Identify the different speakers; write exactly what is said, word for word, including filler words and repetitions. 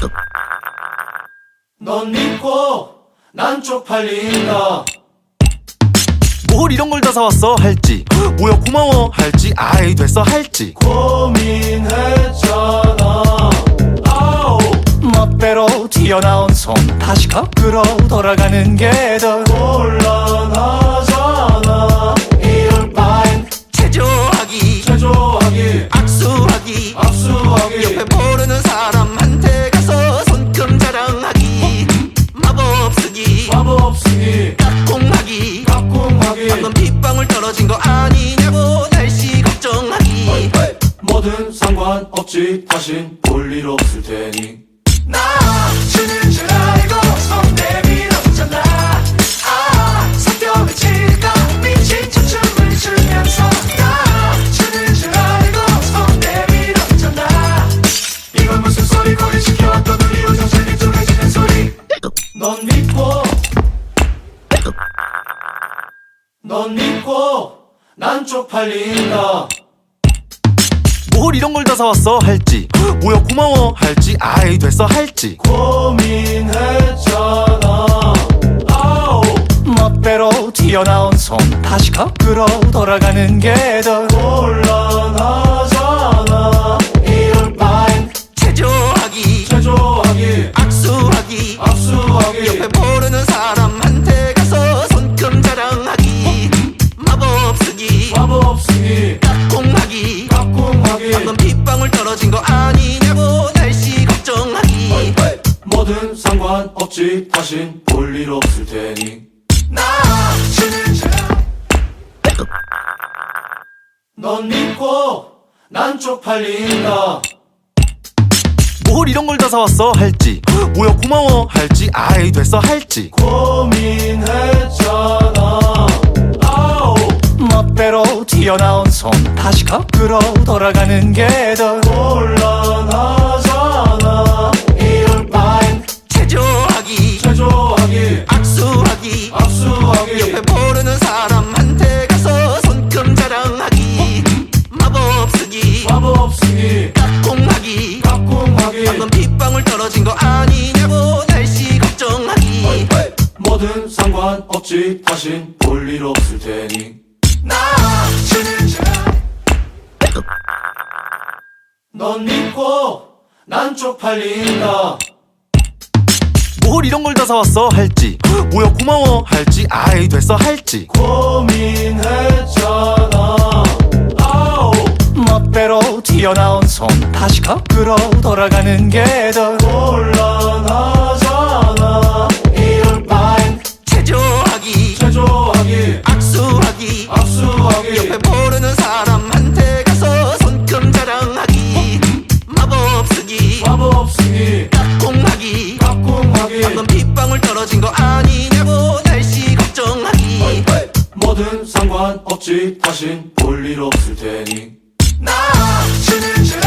Speaker 1: 넌 믿고 난 쪽팔린다.
Speaker 2: 뭘 이런 걸 다 사왔어 할지, 뭐야 고마워 할지, 아이 됐어 할지
Speaker 1: 고민했잖아. 아오
Speaker 2: 멋대로 튀어나온 손 다시 거꾸로 돌아가는 게 더
Speaker 1: 곤란하잖아. 이럴 바엔
Speaker 2: 체조하기,
Speaker 1: 제조하기,
Speaker 2: 악수하기,
Speaker 1: 압수하기,
Speaker 2: 옆에 모르는 사람한테 가서 손금 자랑하기, 마법 쓰기,
Speaker 1: 마법 쓰기,
Speaker 2: 깍꿍하기,
Speaker 1: 깍꿍하기,
Speaker 2: 방금 빗방울 떨어진 거 아니냐고 날씨 걱정하기.
Speaker 1: 뭐든 상관없지, 다신 볼 일 없을 테니.
Speaker 2: 나 주는 줄 알고 손 내밀었잖아. 아 성격을 칠까 미친 춤을 추면서 나 주는 줄 알고 손 내밀었잖아.
Speaker 1: 이건 무슨 소리, 고리 지켜왔던 우리 우정 질리 쪼개지는 소리. 넌 믿고 넌 믿고 난 쪽팔린다.
Speaker 2: 뭘 이런 걸 다 사왔어 할지, 뭐야 고마워 할지, 아이 됐어 할지
Speaker 1: 고민했잖아. 아오
Speaker 2: 멋대로 튀어나온 손 다시 거꾸로 돌아가는 게 더
Speaker 1: 곤란하잖아. 이럴 바엔
Speaker 2: 체조하기,
Speaker 1: 제조하기,
Speaker 2: 악수하기,
Speaker 1: 압수하기,
Speaker 2: 옆에 모르는 사람한테 가서 손금 자랑하기, 마법 쓰기,
Speaker 1: 마법 쓰기,
Speaker 2: 깍꿍하기,
Speaker 1: 깍꿍하기,
Speaker 2: 방금 빗방울 떨어진 거 아니냐고 날씨 걱정하기.
Speaker 1: 뭐든 상관없지, 다신 볼 일 없을 테니.
Speaker 2: 나 주는 줄
Speaker 1: 넌 믿고 난 쪽팔린다.
Speaker 2: 뭘 이런 걸 다 사왔어 할지, 뭐야 고마워 할지, 아이 됐어 할지
Speaker 1: 고민했잖아. 아오
Speaker 2: 멋대로 튀어나온 손 다시 거꾸로 돌아가는 게 더
Speaker 1: 곤란하잖아. 이럴 바엔
Speaker 2: 체조하기,
Speaker 1: 제조하기,
Speaker 2: 악수하기,
Speaker 1: 압수하기,
Speaker 2: 옆에 모르는 사람한테 가서 손금 자랑하기, 마법 쓰기,
Speaker 1: 마법 쓰기,
Speaker 2: 깍꿍하기,
Speaker 1: 깍꿍하기,
Speaker 2: 방금 빗방울 떨어진 거 아니냐고 날씨 걱정하기.
Speaker 1: 뭐든 상관없지, 다신 볼 일 없을 테니.
Speaker 2: 나 주는 줄
Speaker 1: 넌 믿고 난 쪽팔린다.
Speaker 2: 뭘 이런 걸 다 사왔어 할지, 뭐야 고마워 할지, 아이 됐어 할지
Speaker 1: 고민했잖아. 아오
Speaker 2: 멋대로 튀어나온 손 다시 거꾸로 돌아가는 게 더
Speaker 1: 곤란하잖아. 이럴 바엔
Speaker 2: 체조하기,
Speaker 1: 제조하기,
Speaker 2: 악수하기,
Speaker 1: 압수하기,
Speaker 2: 옆에 모르는 사람한테 가서 손금 자랑하기, 마법 쓰기,
Speaker 1: 마법 쓰기,
Speaker 2: 깍꿍하기,
Speaker 1: 깍꿍하기,
Speaker 2: 방금 빗방울 떨어진 거 아니냐고 날씨 걱정하기.
Speaker 1: 뭐든 상관없지, 다신 볼 일 없을 테니.
Speaker 2: 나 주는 줄